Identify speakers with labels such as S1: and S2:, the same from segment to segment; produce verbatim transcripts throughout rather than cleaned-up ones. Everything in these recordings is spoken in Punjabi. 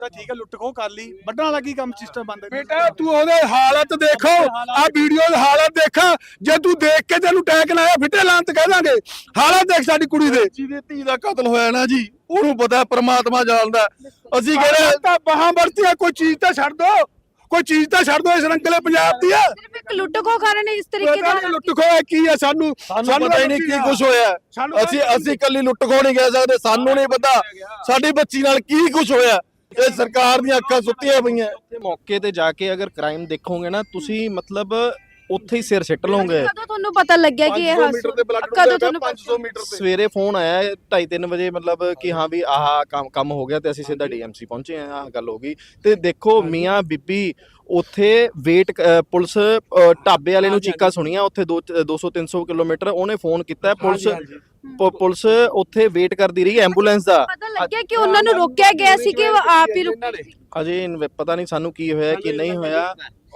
S1: ਤਾਂ ਠੀਕ ਹੈ, ਲੁੱਟ ਖੋਹ ਕਰ ਲਈ, ਵੱਢਣ ਵਾਲਾ ਕੀ ਕੰਮ ਸਿਸਟਮ ਬੰਦ
S2: ਬੇਟਾ ਤੂੰ ਉਹਦੇ ਹਾਲਤ ਦੇਖੋ, ਆ ਵੀਡੀਓ ਦੇ ਹਾਲਤ ਦੇਖਾ, ਜੇ ਤੂੰ ਦੇਖ ਕੇ ਤੈਨੂੰ ਟੈਕ ਲਾਇਆ ਫਿੱਟੇ ਲਾਂ ਤੇ ਕਹਿ ਦਾਂਗੇ। ਹਾਲਤ ਦੇਖ ਸਾਡੀ ਕੁੜੀ ਦੇ,
S3: ਜਿਹਦੇ ਧੀ ਦਾ ਕਤਲ ਹੋਇਆ ਨਾ ਜੀ, ਉਹਨੂੰ ਪਤਾ ਪ੍ਰਮਾਤਮਾ ਜਾਣਦਾ। ਅਸੀਂ ਕਹਿੰਦੇ
S2: ਤਾਂ ਬਾਹਾਂ ਵਰਤੀਆਂ, ਕੋਈ ਚੀਜ਼ ਤਾਂ ਛੱਡ ਦੋ, ਕੋਈ ਚੀਜ਼ ਤਾਂ ਛੱਡ ਦੋ। ਇਸ ਰੰਗਲੇ ਪੰਜਾਬ ਦੀ ਆ
S4: ਸਿਰਫ ਇੱਕ ਲੁੱਟ ਖੋਹ ਕਾਰਨ ਇਸ ਤਰੀਕੇ ਦਾ
S2: ਲੁੱਟ ਖੋਹ ਕੀ ਆ, ਸਾਨੂੰ
S3: ਸਾਨੂੰ ਪਤਾ ਹੀ ਨਹੀਂ ਕੀ ਕੁਝ ਹੋਇਆ। ਅਸੀਂ ਅਸੀਂ ਕੱਲੀ ਲੁੱਟ ਖੋਹ ਨਹੀਂ ਕਹਿ ਸਕਦੇ, ਸਾਨੂੰ ਨਹੀਂ ਪਤਾ ਸਾਡੀ ਬੱਚੀ ਨਾਲ ਕੀ ਕੁਝ ਹੋਇਆ। ਇਹ ਸਰਕਾਰ ਦੀਆਂ ਅੱਖਾਂ ਸੁੱਤੀਆਂ ਪਈਆਂ।
S5: ਮੌਕੇ ਤੇ ਜਾ ਕੇ ਅਗਰ ਕ੍ਰਾਈਮ ਦੇਖੋਗੇ ਨਾ ਤੁਸੀਂ, ਮਤਲਬ ਉੱਥੇ ਹੀ ਸਿਰ ਸਿੱਟ ਲਓਗੇ।
S4: ਕਦੋਂ ਤੁਹਾਨੂੰ ਪਤਾ ਲੱਗਿਆ ਕਿ ਇਹ ਹਾਦਸਾ ਕਦੋਂ ਤੁਹਾਨੂੰ
S3: ਪੰਜ ਸੌ ਮੀਟਰ ਤੇ
S5: ਸਵੇਰੇ ਫੋਨ ਆਇਆ ਢਾਈ ਤਿੰਨ ਵਜੇ, ਮਤਲਬ ਕਿ ਹਾਂ ਵੀ ਆਹ ਕੰਮ ਕੰਮ ਹੋ ਗਿਆ ਤੇ ਅਸੀਂ ਸਿੱਧਾ ਡੀਐਮਸੀ ਪਹੁੰਚੇ ਆ, ਆਹ ਗੱਲ ਹੋ ਗਈ। ਤੇ ਦੇਖੋ ਮੀਆਂ ਬੀਬੀ ਉੱਥੇ ਵੇਟ, ਪੁਲਿਸ ਢਾਬੇ ਵਾਲੇ ਨੂੰ ਚੀਕਾਂ ਸੁਣੀਆਂ ਉੱਥੇ ਦੋ ਸੌ ਤਿੰਨ ਸੌ ਕਿਲੋਮੀਟਰ, ਉਹਨੇ ਫੋਨ ਕੀਤਾ, ਪੁਲਿਸ ਪੁਲਿਸ ਉੱਥੇ ਵੇਟ ਕਰਦੀ ਰਹੀ ਐਂਬੂਲੈਂਸ ਦਾ।
S4: ਪਤਾ ਲੱਗਿਆ ਕਿ ਉਹਨਾਂ ਨੂੰ ਰੋਕਿਆ ਗਿਆ ਸੀ ਕਿ ਉਹ ਆਪ ਹੀ ਰੁਕੇ ਸੀ?
S5: ਅਜੇ ਪਤਾ ਨਹੀਂ ਸਾਨੂੰ ਕੀ ਹੋਇਆ ਕੀ ਨਹੀਂ ਹੋਇਆ।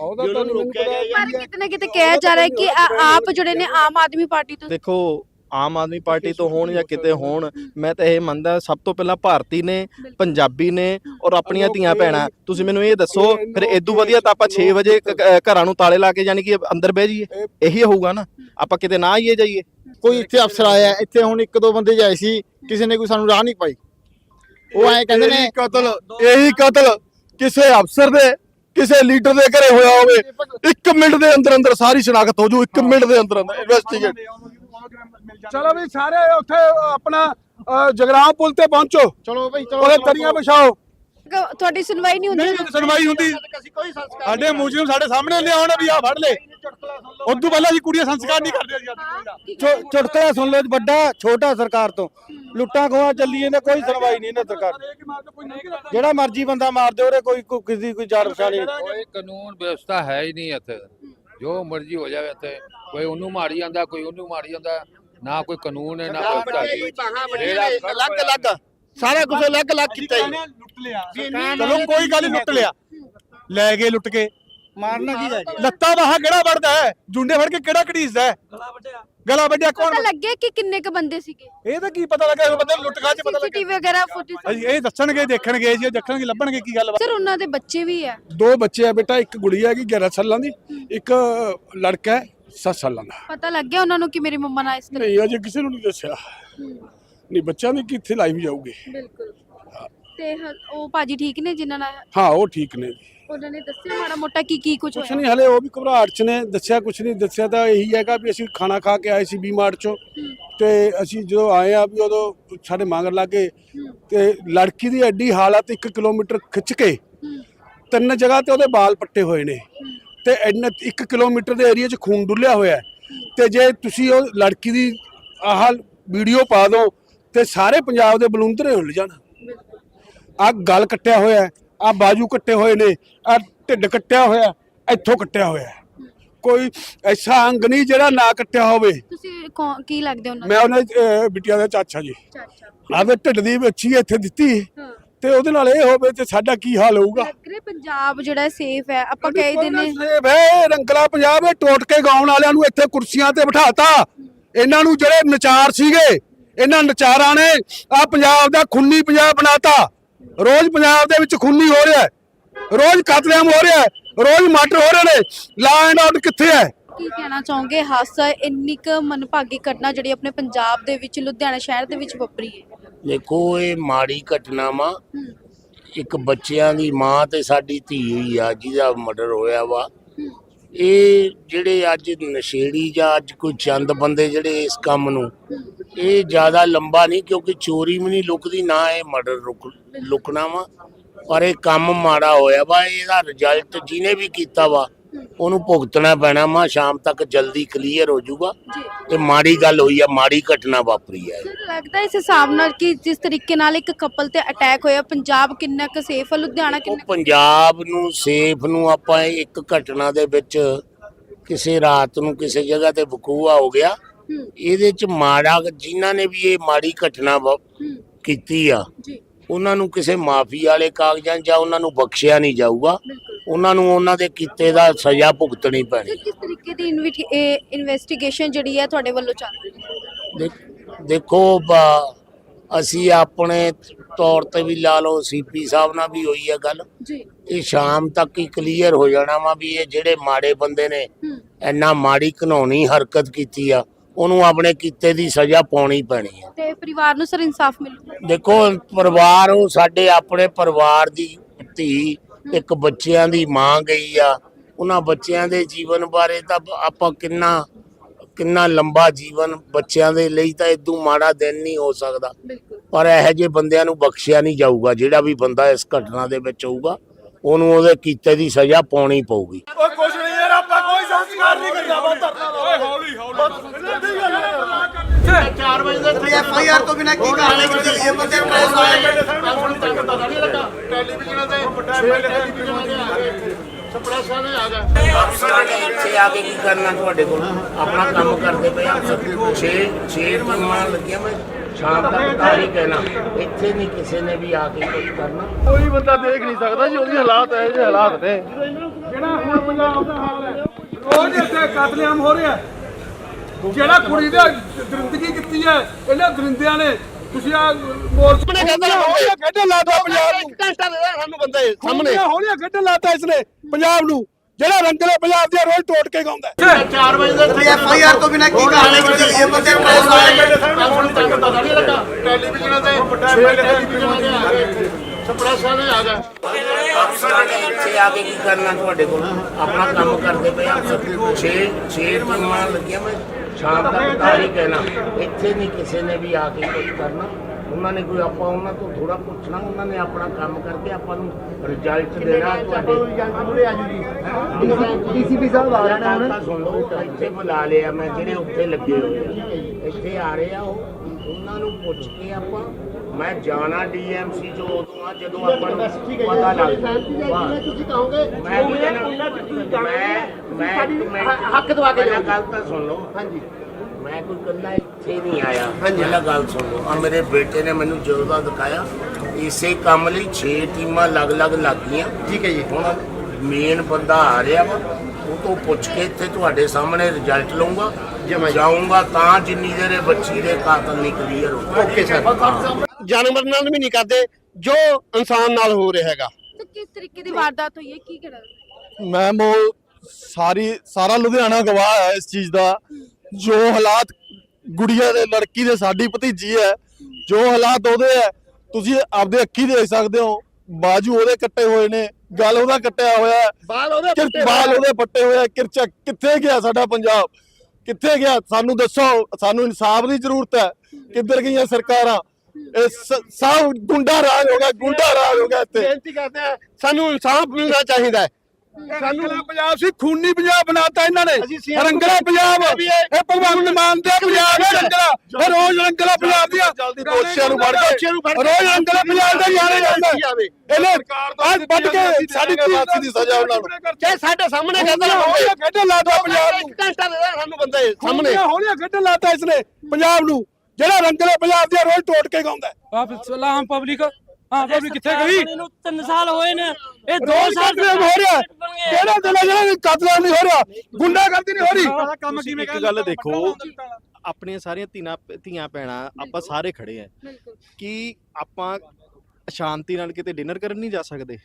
S4: ਪਰ ਕਿਤੇ ਨਾ ਕਿਤੇ ਕਿਹਾ ਜਾ ਰਿਹਾ ਹੈ ਕਿ ਆ- ਆਪ ਜਿਹੜੇ ਨੇ ਆਮ ਆਦਮੀ ਪਾਰਟੀ ਤੋਂ,
S5: ਦੇਖੋ ਆਮ ਆਦਮੀ ਪਾਰਟੀ ਤੋਂ ਹੋਣ ਜਾਂ ਕਿਤੇ ਹੋਣ, ਮੈਂ ਤਾਂ ਇਹ ਮੰਨਦਾ ਸਭ ਤੋਂ ਪਹਿਲਾਂ ਭਾਰਤੀ ਨੇ, ਪੰਜਾਬੀ ਨੇ ਔਰ ਆਪਣੀਆਂ ਧੀਆਂ ਭੈਣਾਂ। ਤੁਸੀਂ ਮੈਨੂੰ ਇਹ ਦੱਸੋ ਫਿਰ ਇਦੋਂ ਵਧੀਆ ਤਾਂ ਆਪਾਂ ਛੇ ਵਜੇ ਘਰਾਂ ਨੂੰ ਤਾਲੇ ਲਾ ਕੇ ਯਾਨੀ ਕਿ ਅੰਦਰ ਬਹਿ ਜਾਈਏ, ਇਹੀ ਹੋਊਗਾ ਨਾ, ਆਪਾਂ ਕਿਤੇ ਨਾ ਆਈਏ ਜਾਈਏ।
S6: ਕੋਈ ਇੱਥੇ ਅਫਸਰ ਆਇਆ ਇੱਥੇ, ਹੁਣ ਇੱਕ ਦੋ ਬੰਦੇ ਜਾਏ ਸੀ, ਕਿਸੇ ਨੇ ਕੋਈ ਸਾਨੂੰ ਰਾਹ ਨਹੀਂ ਪਾਈ। ਉਹ ਐਂ ਕਹਿੰਦੇ ਨੇ
S3: ਕਤਲ, ਇਹੀ ਕਤਲ ਕਿਸੇ ਅਫਸਰ ਦੇ ਕਿਸੇ ਲੀਡਰ ਦੇ ਘਰੇ ਹੋਇਆ ਹੋਵੇ, ਇੱਕ ਮਿੰਟ ਦੇ ਅੰਦਰ ਅੰਦਰ ਸਾਰੀ ਸ਼ਨਾਖਤ ਹੋ ਜੂ, ਇੱਕ ਮਿੰਟ ਦੇ ਅੰਦਰ ਅੰਦਰ ਇਨਵੈਸਟੀਗੇਟ।
S2: ਚਲੋ ਵੀ ਸਾਰੇ ਉੱਥੇ ਆਪਣਾ ਜਗਰਾਮ ਪੁਲ ਤੇ ਪਹੁੰਚੋ,
S6: ਚਲੋ ਬਈ ਚਲੋ,
S2: ਉਹਦੇ ਤਰੀਆਂ ਵਿਛਾਓ।
S4: ਤੁਹਾਡੀ ਸੁਣਵਾਈ ਨਹੀਂ ਹੁੰਦੀ?
S1: ਨਹੀਂ ਸੁਣਵਾਈ ਹੁੰਦੀ, ਸਾਡੇ ਮੁਜਰਮ ਸਾਡੇ ਸਾਹਮਣੇ ਲਿਆਉਣ ਵੀ ਆ ਫੜ ਲੈ, ਉਦੋਂ ਪਹਿਲਾਂ ਅਸੀਂ ਕੁੜੀਆਂ ਸੰਸਕਾਰ ਨਹੀਂ ਕਰਦੇ। ਅਸੀਂ
S7: ਚੁਟਕਲਾ ਸੁਣ ਲਓ, ਵੱਡਾ ਛੋਟਾ ਸਰਕਾਰ ਤੋਂ ਲੁੱਟਾਂ ਖੋਹਾਂ ਚੱਲੀ ਜਾਂਦੇ, ਕੋਈ ਸੁਣਵਾਈ ਨਹੀਂ ਇਹਨਾਂ ਸਰਕਾਰ ਦੀ। ਜਿਹੜਾ ਮਰਜ਼ੀ ਬੰਦਾ ਮਾਰ ਦੇ, ਉਹਦੇ ਕੋਈ ਕਿਸੇ ਕੋਈ ਜਾਣ ਪਛਾਣ ਨਹੀਂ।
S8: ਕੋਈ ਕਾਨੂੰਨ ਵਿਵਸਥਾ ਹੈ ਹੀ ਨਹੀਂ ਇੱਥੇ, ਜੋ ਮਰਜ਼ੀ ਹੋ ਜਾਵੇ ਇੱਥੇ, ਕੋਈ ਉਹਨੂੰ ਮਾਰੀ ਜਾਂਦਾ, ਕੋਈ ਉਹਨੂੰ ਮਾਰੀ ਜਾਂਦਾ, ਨਾ ਕੋਈ ਕਾਨੂੰਨ ਹੈ ਨਾ ਵਿਵਸਥਾ।
S6: ਅਲੱਗ ਅਲੱਗ ਸਾਰਾ ਕੁਝ ਅਲੱਗ ਅਲੱਗ ਕੀਤਾ ਜੀ।
S1: ਲੁੱਟ ਲਿਆ, ਚਲੋ ਕੋਈ ਗੱਲ ਨਹੀਂ, ਲੁੱਟ ਲਿਆ, ਲੈ ਗਏ ਲੁੱਟ ਕੇ,
S7: ਮਾਰਨਾ ਕੀ ਹੈ?
S1: ਲੱਤਾਂ ਬਾਹਾਂ ਕਿਹੜਾ ਵੜਦਾ ਹੈ, ਜੁੰਡੇ ਫੜ ਕੇ ਕਿਹੜਾ ਘੜੀਸਦਾ ਹੈ, ਗਲਾ ਵੱਢਿਆ ਕੌਣ?
S4: ਪਤਾ ਲੱਗਿਆ ਕਿ ਕਿੰਨੇ ਕ ਬੰਦੇ ਸੀਗੇ?
S1: ਇਹ ਤਾਂ ਕੀ ਪਤਾ ਲੱਗਾ, ਬੰਦੇ ਲੁੱਟ ਖਾ ਚ ਪਤਾ ਲੱਗਾ।
S4: ਸੀਸੀਟੀਵੀ ਵਗੈਰਾ ਫੁਟੇਜ
S1: ਇਹ ਦੱਸਣਗੇ, ਦੇਖਣਗੇ ਜੀ, ਦੇਖਣਗੇ, ਲੱਭਣਗੇ ਕੀ ਗੱਲ।
S4: ਸਰ ਉਹਨਾਂ ਦੇ ਬੱਚੇ ਵੀ ਆ?
S2: ਦੋ ਬੱਚੇ ਆ ਬੇਟਾ, ਇੱਕ ਗੁੜੀਆ ਹੈਗੀ ਗਿਆਰਾਂ ਸਾਲਾਂ ਦੀ, ਇੱਕ ਲੜਕਾ ਹੈ ਸੱਤ ਸਾਲਾਂ ਦਾ।
S4: ਪਤਾ ਲੱਗ ਗਿਆ ਉਹਨਾਂ ਨੂੰ ਕਿ ਮੇਰੀ ਮੰਮਾ ਨਾਲ ਇਸ ਤਰ੍ਹਾਂ?
S2: ਨਹੀਂ ਅਜੇ ਕਿਸੇ ਨੂੰ ਨਹੀਂ ਦੱਸਿਆ। ਨਹੀਂ ਬੱਚਿਆਂ ਦੀ ਕਿੱਥੇ ਲਾਈਵ ਜਾਊਗੀ।
S4: ਬਿਲਕੁਲ। ਤੇ ਹ- ਉਹ ਭਾਜੀ ਠੀਕ ਨੇ ਜਿਨ੍ਹਾਂ ਨਾਲ?
S2: ਹਾਂ ਉਹ ਠੀਕ ਨੇ ਜੀ,
S4: ਉਹਨਾਂ ਨੇ ਦੱਸਿਆ ਮਾੜਾ ਮੋਟਾ ਕੀ ਕੀ ਕੁਝ
S2: ਕੁਛ
S4: ਹੋਇਆ?
S2: ਨਹੀਂ ਹਲੇ, ਉਹ ਵੀ ਘਬਰਾਹਟ ਚ ਨੇ, ਦੱਸਿਆ ਕੁਛ ਨਹੀਂ। ਦੱਸਿਆ ਤਾਂ ਇਹੀ ਹੈਗਾ ਵੀ ਅਸੀਂ ਖਾਣਾ ਖਾ ਕੇ ਆਏ ਸੀ ਵੀ ਮਾਰਟ ਚੋਂ, ਤੇ ਅਸੀਂ ਜਦੋਂ ਆਏ ਆ ਵੀ ਉਦੋਂ ਸਾਡੇ ਮੰਗਰ ਲੱਗੇ, ਤੇ ਲੜਕੀ ਦੀ ਐਡੀ ਹਾਲਤ, ਇੱਕ ਕਿਲੋਮੀਟਰ ਖਿੱਚ ਕੇ ਤਿੰਨ ਜਗ੍ਹਾ ਤੇ ਉਹਦੇ ਵਾਲ ਪੱਟੇ ਹੋਏ ਨੇ, ਤੇ ਇੰਨਾ ਇੱਕ ਕਿਲੋਮੀਟਰ ਦੇ ਏਰੀਆ 'ਚ ਖੂਨ ਡੁੱਲਿਆ ਹੋਇਆ। ਤੇ ਜੇ ਤੁਸੀਂ ਉਹ ਲੜਕੀ ਦੀ ਆਹ ਵੀਡੀਓ ਪਾ ਦਿਓ ਤੇ ਸਾਰੇ ਪੰਜਾਬ ਦੇ ਬਲੂੰਦਰੇ ਹਿੱਲ ਜਾਣ। ਆ ਗਲ ਕੱਟਿਆ ਹੋਇਆ, ਆ ਬਾਜੂ ਕੱਟੇ ਹੋਏ ਨੇ, ਆ ਢਿੱਡ ਕੱਟਿਆ ਹੋਇਆ, ਇੱਥੋਂ ਕੱਟਿਆ ਹੋਇਆ। ਕੋਈ ਐਸਾ ਅੰਗ ਨਹੀਂ ਜਿਹੜਾ ਨਾ ਕੱਟਿਆ ਹੋਵੇ।
S4: ਤੁਸੀਂ ਕੌਣ- ਕੀ ਲੱਗਦੇ ਉਹਨਾਂ
S2: ਮੈਂ ਉਹਨਾਂ ਦੀ ਅਹ, ਬਿਟੀਆ ਦਾ ਚਾਚਾ ਜੀ।
S4: ਚਾਚਾ?
S2: ਆਵੇ ਢਿੱਡ ਦੀ ਬੱਚੀ ਇੱਥੇ ਦਿੱਤੀ,
S4: ਹਾਂ।
S2: ਤੇ ਉਹਦੇ ਨਾਲ ਇਹ ਹੋਵੇ ਤੇ ਸਾਡਾ ਕੀ ਹਾਲ ਹੋਊਗਾ।
S4: ਲੱਗ ਰਿਹਾ ਪੰਜਾਬ ਜਿਹੜਾ ਸੇਫ ਹੈ, ਆਪਾਂ ਕਹੇ ਦਿਨ
S2: ਵੇ ਰੰਗਲਾ ਪੰਜਾਬ, ਇਹ ਟੋਟ ਕੇ ਗਾਉਣ ਵਾਲਿਆਂ ਨੂੰ ਇੱਥੇ ਕੁਰਸੀਆਂ ਤੇ ਬਿਠਾਤਾ। ਇਹਨਾਂ ਨੂੰ ਜਿਹੜੇ ਨਚਾਰ ਸੀਗੇ, ਇਹਨਾਂ ਨਚਾਰਾਂ ਨੇ ਆ ਪੰਜਾਬ ਦਾ ਖੂਨੀ ਪੰਜਾਬ ਬਣਾਤਾ। ਰੋਜ਼ ਪੰਜਾਬ ਦੇ ਵਿੱਚ ਖੂਨੀ ਹੋ ਰਿਹਾ, ਰੋਜ਼ ਕਤਲੇਆਮ ਹੋ ਰਿਹਾ, ਰੋਜ਼ ਮਰਡਰ ਹੋ ਰਹੇ ਨੇ। ਲਾ ਐਂਡ ਆਰਡਰ ਕਿੱਥੇ ਹੈ?
S4: ਕੀ ਕਹਿਣਾ ਚਾਹੋਗੇ? ਹਾਦਸਾ ਇੰਨੀ ਕੁ ਮਨਭਾਗੀ ਘਟਨਾ ਜਿਹੜੀ ਆਪਣੇ ਪੰਜਾਬ ਦੇ ਵਿੱਚ ਲੁਧਿਆਣਾ ਸ਼ਹਿਰ ਦੇ ਵਿੱਚ ਵਾਪਰੀ ਹੈ।
S9: ਦੇਖੋ ਇਹ ਮਾੜੀ ਘਟਨਾ ਵਾ, ਇੱਕ ਬੱਚਿਆਂ ਦੀ ਮਾਂ ਤੇ ਸਾਡੀ ਧੀ ਹੋਈ ਆ ਜਿਹਦਾ ਮਰਡਰ ਹੋਇਆ ਵਾ। ਇਹ ਜਿਹੜੇ ਅੱਜ ਨਸ਼ੇੜੀ ਜਾਂ ਅੱਜ ਕੋਈ ਚੰਦ ਬੰਦੇ ਜਿਹੜੇ ਇਸ ਕੰਮ ਨੂੰ, ਇਹ ਜ਼ਿਆਦਾ ਲੰਬਾ ਨਹੀਂ, ਕਿਉਂਕਿ ਚੋਰੀ ਵੀ ਨਹੀਂ ਲੁਕਦੀ ਨਾ ਇਹ ਮਰਡਰ ਰੁਕ ਲੁਕਣਾ ਵਾ। ਪਰ ਇਹ ਕੰਮ ਮਾੜਾ ਹੋਇਆ ਵਾ, ਇਹਦਾ ਰਿਜ਼ਲਟ ਜਿਹਨੇ ਵੀ ਕੀਤਾ ਵਾ ਉਹਨੂੰ ਭੁਗਤਣਾ ਪੈਣਾ ਵਾ। ਸ਼ਾਮ ਤੱਕ ਜਲਦੀ ਕਲੀਅਰ ਹੋ ਜਾਊਗਾ। ਤੇ ਮਾੜੀ ਗੱਲ ਹੋਈ ਆ, ਮਾੜੀ ਘਟਨਾ ਵਾਪਰੀ ਹੈ।
S4: ਲੱਗਦਾ ਇਸ ਹਿਸਾਬ ਨਾਲ ਕਿ ਜਿਸ ਤਰੀਕੇ ਨਾਲ ਇੱਕ ਕਪਲ ਤੇ ਅਟੈਕ ਹੋਇਆ, ਪੰਜਾਬ ਕਿੰਨਾ ਕੁ ਸੇਫ ਹੈ, ਲੁਧਿਆਣਾ
S9: ਉਹ
S4: ਕਿੰਨਾ?
S9: ਪੰਜਾਬ ਨੂੰ ਸੇਫ ਨੂੰ ਆਪਾਂ ਇੱਕ ਘਟਨਾ ਦੇ ਵਿੱਚ ਕਿਸੇ ਰਾਤ ਨੂੰ ਕਿਸੇ ਜਗ੍ਹਾ ਤੇ ਵਕੂਆ ਹੋ ਗਿਆ, ਇਹਦੇ ਚ ਮਾੜਾ ਜਿਨ੍ਹਾਂ ਨੇ ਵੀ ਇਹ ਮਾੜੀ ਘਟਨਾ ਕੀਤੀ ਆ ਉਹਨਾਂ ਨੂੰ ਕਿਸੇ ਮਾਫੀ ਵਾਲੇ ਕਾਗਜ਼ਾਂ ਜਾਂ ਉਹਨਾਂ ਨੂੰ ਬਖਸ਼ਿਆ ਨਹੀਂ ਜਾਊਗਾ। ਉਹਨਾਂ ਨੂੰ ਉਹਨਾਂ ਦੇ ਕੀਤੇ ਦਾ ਸਜ਼ਾ ਭੁਗਤਣੀ ਪੈਣੀ।
S4: ਕਿਸ ਤਰੀਕੇ ਦੀ ਇਨਵੈਸਟੀਗੇਸ਼ਨ ਜਿਹੜੀ ਹੈ ਤੁਹਾਡੇ ਵੱਲੋਂ ਚੱਲ ਰਹੀ ਹੈ?
S9: ਦੇਖੋ ਅਸੀਂ ਆਪਣੇ ਤੌਰ ਤੇ ਵੀ ਲਾ ਲਓ, ਸੀਪੀ ਸਾਹਿਬ ਨਾਲ ਵੀ ਹੋਈ ਹੈ ਗੱਲ,
S4: ਜੀ
S9: ਇਹ ਸ਼ਾਮ ਤੱਕ ਹੀ ਕਲੀਅਰ ਹੋ ਜਾਣਾ ਵਾ ਵੀ ਇਹ ਜਿਹੜੇ ਮਾੜੇ ਬੰਦੇ ਨੇ
S4: ਹੂੰ
S9: ਇੰਨਾ ਮਾੜੀ ਘਿਨੌਣੀ ਹਰਕਤ ਕੀਤੀ ਆ, ਉਹਨੂੰ ਆਪਣੇ ਕੀਤੇ ਦੀ ਸਜ਼ਾ ਪਾਉਣੀ ਪੈਣੀ ਆ।
S4: ਤੇ ਪਰਿਵਾਰ ਨੂੰ ਸਰ ਇਨਸਾਫ ਮਿਲੂਗਾ?
S9: ਦੇਖੋ ਪਰਿਵਾਰ, ਉਹ ਸਾਡੇ ਆਪਣੇ ਪਰਿਵਾਰ ਦੀ ਧੀ, ਇੱਕ ਬੱਚਿਆਂ ਦੀ ਮਾਂ ਗਈ ਆ, ਉਹਨਾਂ ਬੱਚਿਆਂ ਦੇ ਜੀਵਨ ਬਾਰੇ ਤਾਂ ਆਪਾਂ ਕਿੰਨਾ ਕਿੰਨਾ ਲੰਬਾ ਜੀਵਨ ਬੱਚਿਆਂ ਦੇ ਲਈ, ਤਾਂ ਇਦੋਂ ਮਾੜਾ ਦਿਨ ਨਹੀਂ ਹੋ ਸਕਦਾ।
S4: ਬਿਲਕੁਲ
S9: ਪਰ ਇਹੋ ਜਿਹੇ ਬੰਦਿਆਂ ਨੂੰ ਬਖਸ਼ਿਆ ਨਹੀਂ ਜਾਊਗਾ। ਜਿਹੜਾ ਵੀ ਬੰਦਾ ਇਸ ਘਟਨਾ ਦੇ ਵਿੱਚ ਹੋਊਗਾ ਉਹਨੂੰ ਉਹਦੇ ਕੀਤੇ ਦੀ ਸਜ਼ਾ ਪਾਉਣੀ ਪਊਗੀ।
S6: ਐਫ ਆਈ ਆਰ ਤੋਂ ਬਿਨਾਂ ਕੀ ਕਾਰਵਾਈ ਕੀਤੀ ਇਹ ਬੰਦੇ ਪ੍ਰੈਸ ਵਾਲੇ
S9: ਇੱਥੇ ਆ ਕੇ ਕੀ ਕਰਨਾ ਤੁਹਾਡੇ ਕੋਲ? ਆਪਣਾ ਕੰਮ ਕਰਦੇ ਪਏ ਆ। ਛੇ ਛੇ ਟੀਮਾਂ ਲੱਗੀਆਂ, ਮੈਂ ਸ਼ਾਮ ਤੱਕ ਤਾਂ ਹੀ ਕਹਿਣਾ, ਇੱਥੇ ਨਹੀਂ ਕਿਸੇ ਨੇ ਵੀ ਆ ਕੇ ਕੁਝ ਕਰਨਾ।
S3: ਕੋਈ ਬੰਦਾ ਦੇਖ ਨਹੀਂ ਸਕਦਾ ਜੀ, ਉਹਦੀ ਹਾਲਾਤ ਇਹ ਜਿਹੇ ਹਾਲਾਤ ਨੇ।
S2: ਜਿਹੜਾ ਹੁਣ ਪੰਜਾਬ ਦਾ ਹਾਲ ਹੈ, ਰੋਜ਼ ਇੱਥੇ ਕਤਲੇਆਮ ਹੋ ਰਿਹਾ। ਜਿਹੜਾ ਕੁੜੀ ਦੇ ਦਰਿੰਦਗੀ ਕੀਤੀ ਹੈ ਇਹਨਾਂ ਦਰਿੰਦਿਆਂ ਨੇ, ਤੁਸੀਂ ਆ ਮੋਰਚੇ ਨੇ ਕਹਿੰਦਾ ਹੋਇਆ ਖੇਡਣ ਲਾਤਾ ਪੰਜਾਬ ਨੂੰ।
S3: ਘੰਟਾ ਦੇ ਸਾਨੂੰ ਬੰਦੇ ਸਾਹਮਣੇ
S2: ਹੋਇਆ ਖੇਡਣ ਲਾਤਾ ਇਸਨੇ ਪੰਜਾਬ ਨੂੰ, ਜਿਹੜਾ ਰੰਗਲੇ ਪੰਜਾਬ ਦੇ ਰੋਜ਼ ਟੋਟ ਕੇ ਗਾਉਂਦਾ।
S6: ਚਾਰ ਵਜੇ ਦੇ ਐਫ ਆਈ ਆਰ ਤੋਂ ਬਿਨਾਂ ਕੀ ਕਾਰਵਾਈ ਕੀਤੀ ਇਹ ਬੰਦੇ ਪ੍ਰੈਸ ਵਾਲੇ
S3: ਟੈਲੀਵਿਜ਼ਨ ਤੇ ਸਪਰੈਸਾਂ ਨੇ ਆ ਗਏ।
S9: ਇੱਥੇ ਆ ਕੇ ਕੀ ਕਰਨਾ ਤੁਹਾਡੇ ਕੋਲ? ਆਪਣਾ ਕੰਮ ਕਰਦੇ ਪਏ ਆ। ਛੇ ਛੇ ਟੀਮਾਂ ਲੱਗੀਆਂ, ਮੈਂ ਸ਼ਾਮ ਤੱਕ ਤਾਂ ਹੀ ਕਹਿਣਾ, ਇੱਥੇ ਨਹੀਂ ਕਿਸੇ ਨੇ ਵੀ ਆ ਕੇ ਕੁਝ ਕਰਨਾ। ਉਹਨਾਂ ਨੇ ਕੋਈ, ਆਪਾਂ ਉਹਨਾਂ ਤੋਂ ਥੋੜਾ ਪੁੱਛਣਾ, ਉਹਨਾਂ ਨੇ ਆਪਣਾ ਕੰਮ ਕਰਕੇ ਆਪਾਂ ਨੂੰ ਰਿਜ਼ਲਟ ਦੇਣਾ। ਤੁਹਾਡੇ
S6: ਡੀਸੀਪੀ ਸਾਹਿਬ ਆ ਰਹੇ ਨੇ ਹੁਣ।
S9: ਤਾਂ ਸੁਣ ਲਓ, ਇੱਥੇ ਬੁਲਾ ਲਿਆ ਮੈਂ, ਜਿਹੜੇ ਉੱਥੇ ਲੱਗੇ ਹੋਏ ਆ ਇੱਥੇ ਆ ਰਹੇ ਆ, ਉਹ ਉਹਨਾਂ ਨੂੰ ਪੁੱਛ ਕੇ ਆਪਾਂ, ਮੈਂ ਜਾਣਾ ਡੀਐਮਸੀ ਜੋ ਉਦੋਂ ਆ ਜਦੋਂ ਆਪਾਂ ਨੂੰ ਪਤਾ ਲੱਗਦਾ।
S6: ਤੁਸੀਂ ਕਹੋਗੇ
S9: ਮੈਂ ਵੀ ਕਹਿਣਾ, ਮੈਂ ਮੈਂ
S6: ਹੱਕ ਦਵਾ ਕੇ
S9: ਪਹਿਲਾਂ ਗੱਲ ਤਾਂ ਸੁਣ ਲਓ। ਹਾਂਜੀ, ਮੈਂ ਕੋਈ ਇਕੱਲਾ ਇੱਥੇ ਨਹੀਂ ਆਇਆ। ਪਹਿਲਾਂ ਗੱਲ ਸੁਣ ਲਓ, ਆ ਮੇਰੇ ਬੇਟੇ ਨੇ ਮੈਨੂੰ ਜਦੋਂ ਦਾ ਦਿਖਾਇਆ, ਇਸੇ ਕੰਮ ਲਈ ਛੇ ਟੀਮਾਂ ਅਲੱਗ-ਅਲੱਗ ਲੱਗ ਗਈਆਂ।
S6: ਠੀਕ ਹੈ ਜੀ।
S9: ਹੁਣ ਮੇਨ ਬੰਦਾ ਆ ਰਿਹਾ ਵਾ, ਉਹ ਤੋਂ ਪੁੱਛ ਕੇ ਇੱਥੇ ਤੁਹਾਡੇ ਸਾਹਮਣੇ ਰਿਜ਼ਲਟ ਲਊਂਗਾ। ਜਾਊਂਗਾ ਤਾਂ ਜਿੰਨੀ ਦੇਰ ਬੱਚੀ ਦੇ ਕਾਤਲ ਨਹੀਂ ਕਲੀਅਰ ਹੋ।
S6: Okay sir.
S3: ਜਾਨਵਰ ਨਾਲ ਵੀ ਨਹੀਂ ਕਰਦੇ ਜੋ ਇਨਸਾਨ ਨਾਲ ਹੋ ਰਿਹਾ ਹੈਗਾ।
S4: ਤੇ ਕਿਸ ਤਰੀਕੇ ਦੀ ਵਾਰਦਾਤ ਹੋਈ ਹੈ, ਕੀ ਕਹਿਣਾ?
S3: ਮੈਮ ਉਹ ਸਾਰੀ ਸਾਰਾ ਲੁਧਿਆਣਾ ਗਵਾਹ ਹੈ ਇਸ ਚੀਜ਼ ਦਾ। ਜੋ ਹਾਲਾਤ ਗੁੜੀਆ ਦੇ, ਲੜਕੀ ਦੇ, ਸਾਡੀ ਭਤੀਜੀ ਹੈ, ਜੋ ਹਾਲਾਤ ਉਹਦੇ ਹੈ ਤੁਸੀਂ ਆਪਦੇ ਅੱਖੀ ਦੇਖ ਸਕਦੇ ਹੋ। ਬਾਜੂ ਉਹਦੇ ਕੱਟੇ ਹੋਏ ਨੇ, ਗਲ ਉਹਦਾ ਕੱਟਿਆ ਹੋਇਆ ਹੈ, ਬਾਲ ਉਹਦੇ ਕਿਰ- ਬਾਲ ਉਹਦੇ ਪੱਟੇ ਹੋਏ ਆ। ਕਿਰਚਾ ਕਿੱਥੇ ਗਿਆ ਸਾਡਾ ਪੰਜਾਬ? ਕਿੱਥੇ ਗਿਆ? ਸਾਨੂੰ ਦੱਸੋ, ਸਾਨੂੰ ਇਨਸਾਫ ਦੀ ਜ਼ਰੂਰਤ ਹੈ। ਕਿੱਧਰ ਗਈਆਂ ਸਰਕਾਰਾਂ? ਇਹ ਸ- ਸਭ ਗੁੰਡਾ ਰਾਜ ਹੋ ਗਿਆ, ਗੁੰਡਾ ਰਾਜ ਹੋ ਗਿਆ ਇੱਥੇ। ਬੇਨਤੀ ਕਰਦੇ ਆ, ਸਾਨੂੰ ਇਨਸਾਫ ਮਿਲਣਾ ਚਾਹੀਦਾ ਹੈ।
S2: ਸਾਨੂੰ ਪੰਜਾਬ ਸੀ, ਖੂਨੀ ਪੰਜਾਬ ਬਣਾਤਾ ਇਹਨਾਂ ਨੇ। ਰੰਗਲਾ ਪੰਜਾਬ, ਇਹ ਭਗਵੰਤ ਮਾਨ ਦਾ ਪੰਜਾਬ ਹੈ ਰੰਗਲਾ। ਇਹ ਰੋਜ਼ ਰੰਗਲਾ ਪੰਜਾਬ ਦੀਆਂ
S3: ਜਲਦੀ ਦੋਸ਼ੀਆਂ ਨੂੰ ਫੜ ਕੇ
S2: ਰੋਜ਼ ਰੰਗਲਾ ਪੰਜਾਬ ਦਾ ਜਾਣੇ ਜਾਂਦਾ। ਇਹਨੇ ਅੱਜ ਵੱਢ ਕੇ ਸਾਡੀ
S3: ਫਾਂਸੀ ਦੀ ਸਜ਼ਾ ਉਹਨਾਂ ਨੂੰ, ਚਾਹੇ ਸਾਡੇ ਸਾਹਮਣੇ ਕਹਿੰਦੇ
S2: ਹੋਇਆ ਖੇਡਣ ਲਾਤਾ ਪੰਜਾਬ ਨੂੰ।
S3: ਘੰਟਾ ਦੇ ਸਾਨੂੰ ਬੰਦੇ ਸਾਹਮਣੇ
S2: ਹੋਇਆ ਖੇਡਣ ਲਾਤਾ ਇਸਨੇ ਪੰਜਾਬ ਨੂੰ, ਜਿਹੜਾ ਰੰਗਲੇ ਪੰਜਾਬ ਦੀਆਂ ਰੋਜ਼ ਟੋਟ ਕੇ ਗਾਉਂਦਾ।
S10: ਆਪ ਸਲਾਮ ਪਬਲਿਕ, ਹਾਂ ਪਬਲਿਕ ਕਿੱਥੇ ਗਈ? ਇਹਨੂੰ ਤਿੰਨ ਸਾਲ ਹੋਏ ਨੇ, ਇਹ ਦੋ
S2: ਰੋਜ਼
S10: ਸਾਲ
S2: ਕਤਲੇਆਮ ਹੋ ਰਿਹਾ। ਕਿਹੜਾ ਦਿਨ ਹੈ ਜਿਹੜਾ ਕਤਲੇਆਮ ਨਹੀਂ ਹੋ ਰਿਹਾ, ਗੁੰਡਾਗਰਦੀ ਨਹੀਂ ਹੋ ਰਹੀ।
S5: ਕੰਮ ਕਿਵੇਂ ਇੱਕ ਗੱਲ ਦੇਖੋ, ਆਪਣੀਆਂ ਸਾਰੀਆਂ ਧੀਆਂ ਧੀਆਂ ਭੈਣਾਂ ਆਪਾਂ ਸਾਰੇ ਖੜੇ ਆ ਕਿ ਆਪਾਂ ਸ਼ਾਂਤੀ ਨਾਲ ਕਿਤੇ ਡਿਨਰ ਕਰਨ ਨਹੀਂ ਜਾ ਸਕਦੇ?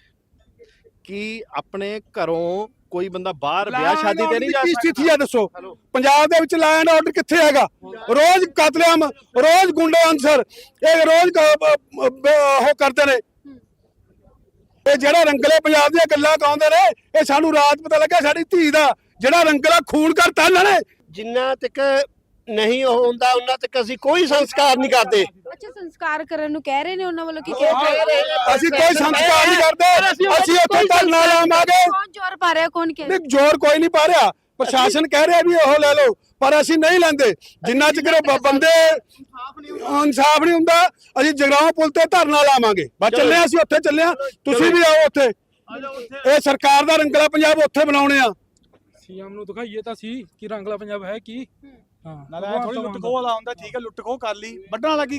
S5: ਕਿ ਆਪਣੇ ਘਰੋਂ ਕੋਈ ਬੰਦਾ ਬਾਹਰ ਵਿਆਹ ਸ਼ਾਦੀ ਤੇ ਨਹੀਂ ਜਾ
S2: ਕੀ
S5: ਸਕਦਾ?
S2: ਸਥਿਤੀ ਹੈ ਦੱਸੋ? ਪੰਜਾਬ ਦੇ ਵਿੱਚ ਲਾਅ ਐਂਡ ਆਰਡਰ ਕਿੱਥੇ ਹੈਗਾ? ਰੋਜ਼ ਕਤਲੇਆਮ, ਰੋਜ਼ ਗੁੰਡੇ ਅਨਸਰ, ਇਹ ਰੋਜ਼ ਕ- ਉਹ ਕਰਦੇ ਨੇ। ਇਹ ਜਿਹੜਾ ਰੰਗਲੇ ਪੰਜਾਬ ਦੀਆਂ ਗੱਲਾਂ ਕਹਾਉਂਦੇ ਨੇ, ਇਹ ਸਾਨੂੰ ਰਾਤ ਪਤਾ ਲੱਗਾ ਸਾਡੀ ਧੀ ਦਾ ਜਿਹੜਾ ਰੰਗਲਾ ਖੂਨ ਕਰਤਾ ਇਹਨਾਂ ਨੇ।
S3: ਜਿੰਨਾ ਤੱਕ ਨਹੀਂ ਉਹ ਹੁੰਦਾ ਉਹਨਾਂ ਤੱਕ ਅਸੀਂ ਕੋਈ ਸੰਸਕਾਰ ਨਹੀਂ ਕਰਦੇ।
S4: ਅੱਛਾ, ਸੰਸਕਾਰ ਕਰਨ ਨੂੰ ਕਹਿ ਰਹੇ ਨੇ ਉਹਨਾਂ ਵੱਲੋਂ, ਕੀ ਕਹਿ ਰਹੇ?
S2: ਅਸੀਂ ਕੋਈ ਸੰਸਕਾਰ ਨਹੀਂ ਕਰਦੇ, ਅਸੀਂ ਉੱਥੇ ਧਰਨਾ ਲਾਵਾਂਗੇ।
S4: ਕੌਣ ਜ਼ੋਰ ਪਾ ਰਿਹਾ, ਕੌਣ ਕਹਿ ਰਿਹਾ?
S2: ਨਹੀਂ, ਜ਼ੋਰ ਕੋਈ ਨਹੀਂ ਪਾ ਰਿਹਾ। ਪ੍ਰਸ਼ਾਸਨ ਕਹਿ ਰਿਹਾ ਵੀ ਉਹ ਲੈ ਲਓ, ਪਰ ਅਸੀਂ ਨਹੀਂ ਲੈਂਦੇ। ਜਿੰਨਾ ਚਿਰ ਬ- ਬੰਦੇ ਇਨਸਾਫ ਨਹੀਂ ਹੁੰਦਾ, ਅਸੀਂ ਜਗਰਾਉਂ ਪੁਲ ਤੇ ਧਰਨਾ ਲਾਵਾਂਗੇ। ਬਸ ਚੱਲੇ ਹਾਂ, ਅਸੀਂ ਉੱਥੇ ਚੱਲੇ ਹਾਂ, ਤੁਸੀਂ ਵੀ ਆਓ ਉੱਥੇ। ਇਹ ਸਰਕਾਰ ਦਾ ਰੰਗਲਾ ਪੰਜਾਬ ਉੱਥੇ ਬਣਾਉਣੇ ਆ।
S10: ਸੀਐਮ ਨੂੰ ਦਿਖਾਈਏ ਤਾਂ ਸੀ ਕਿ ਰੰਗਲਾ ਪੰਜਾਬ ਹੈ ਕੀ। ਹਾਂ
S1: ਨਾਲੇ ਥੋੜੀ ਲੁੱਟ ਖੋਹ ਵਾਲਾ ਹੁੰਦਾ, ਠੀਕ ਹੈ ਲੁੱਟ ਖੋਹ ਕਰ ਲਈ, ਵੱਢਣ ਵਾਲਾ ਕੀ